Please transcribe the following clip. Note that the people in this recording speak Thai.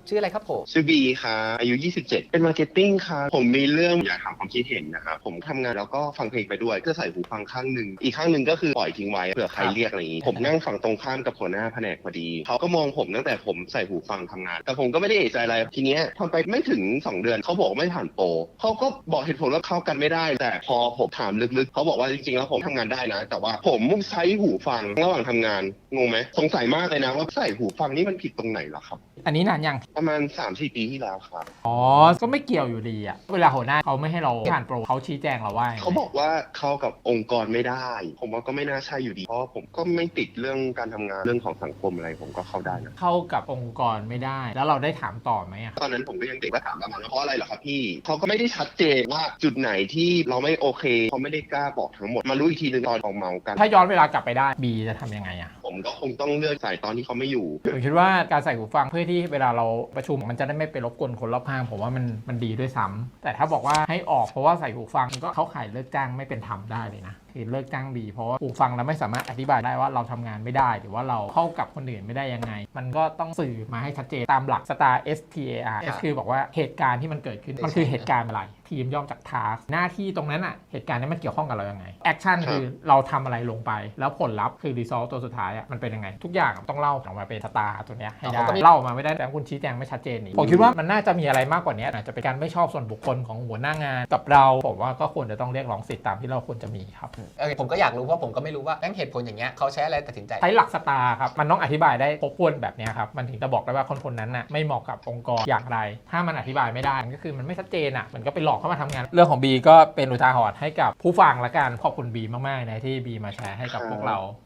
ชื่ออะไรครับผมชื่อบีค่ะอายุ27เป็นมาร์เก็ตติ้งค่ะผมมีเรื่องอยากถามความคิดเห็นนะครับผมทำงานแล้วก็ฟังเพลงไปด้วยก็ใส่หูฟังข้างหนึ่งอีกข้างหนึ่งก็คือปล่อยทิ้งไว้เผื่อใครเรียกอะไรอย่างนี้ผมนั่งฝั่งตรงข้ามกับหัวหน้าแผนกพอดีเขาก็มองผมตั้งแต่ผมใส่หูฟังทำงานแต่ผมก็ไม่ได้เอะใจอะไรทีเนี้ยทำไปไม่ถึง2 เดือนเขาบอกไม่ผ่านโปรเขาก็บอกเหตุผลว่าเข้ากันไม่ได้แต่พอผมถามลึกๆเขาบอกว่าจริงๆแล้วผมทำงานได้นะแต่ว่าผมใช้หูฟังระหว่างทำงานงงไหมสงสัยมากเลยนะว่าใส่หูฟังนี่มันผิดตรงไหนเหรอครับอันนี้นานยังประมาณ 3-4 ปีที่แล้วครับอ๋อ ก็ไม่เกี่ยวอยู่ดีอะเวลาหัวหน้าเขาไม่ให้เราผ่านโปรเขาชี้แจงเราว่ายังไงเขาบอกว่าเข้ากับองค์กรไม่ได้ ผมว่าก็ไม่น่าใช่อยู่ดี เพราะผมก็ไม่ติดเรื่องการทำงานเรื่องของสังคมอะไรผมก็เข้าได้นะเข้ากับองค์กรไม่ได้ แล้วเราได้ถามต่อไหมอะตอนนั้นผมก็ยังเด็กก็ถามประมาณว่าเพราะอะไรเหรอครับพี่เขาก็ไม่ได้ชัดเจนว่าจุดไหนที่เราไม่โอเคเขาไม่ได้กล้าบอกทั้งหมดมารู้อีกทีนึงตอนเมากันถ้าย้อนเวลากลับไปได้บีจะทำยังไงอะผมก็คงต้องเลือกใส่ตอนที่เขาไม่อยู่ผมคิดว่าการใส่หูฟังเพื่อที่เวลาเราประชุมมันจะได้ไม่ไปรบกวนคนรอบข้างผมว่ามันดีด้วยซ้ำแต่ถ้าบอกว่าให้ออกเพราะว่าใส่หูฟังก็เข้าข่ายเลิกจ้างไม่เป็นธรรมได้เลยนะคือเลิกจ้างบีเพราะว่าหูฟังเราไม่สามารถอธิบายได้ว่าเราทำงานไม่ได้หรือว่าเราเข้ากับคนอื่นไม่ได้ยังไงมันก็ต้องสื่อมาให้ชัดเจนตามหลัก STAR STAR S คือบอกว่าเหตุการณ์ที่มันเกิดขึ้นมันคือเหตุการณ์อะไรทีมย่อมจาก task หน้าที่ตรงนั้นอะเหตุการณ์นี้มันเกี่ยวข้องกับเรายังไง action คือเราทำอะไรลงไปแล้วผลลัพธ์คือ result ตัวสุดท้ายอะมันเป็นยังไงทุกอย่างต้องเล่าออกมาเป็น STAR ตัวเนี้ยให้ได้เล่าออกมาไม่ได้แต่คุณชี้แจงไม่ชัดเจนนี่ผมคิดว่ามันน่าจะมีอะไรมากกว่านี้อาจจะเป็นการไม่ชอบส่วนบุคคลของหัวหน้างานกับเราผมว่าก็ควรจะต้องเรียกร้องสิทธิตามที่เราควรจะมีครับผมก็อยากรู้เพราะผมก็ไม่รู้ว่าแม่งเหตุผลอย่างเงี้ยเขาใช้อะไรตัดสินใจใช้หลักสตาร์ครับมันต้องอธิบายได้ครบถ้วนแบบนี้ครับมันถึงจะบอกได้ว่าคนนั้นน่ะไม่เหมาะกับองค์กรอย่างไรถ้ามันอธิบายไม่ได้ก็คือมันไม่ชัดเจนอ่ะมันก็ไปหลอกเข้ามาทำงานเรื่องของบีก็เป็นอุทาหรณ์ให้กับผู้ฟังละกันขอบคุณบีมากๆนะที่บีมาแชร์ให้กับพวกเรา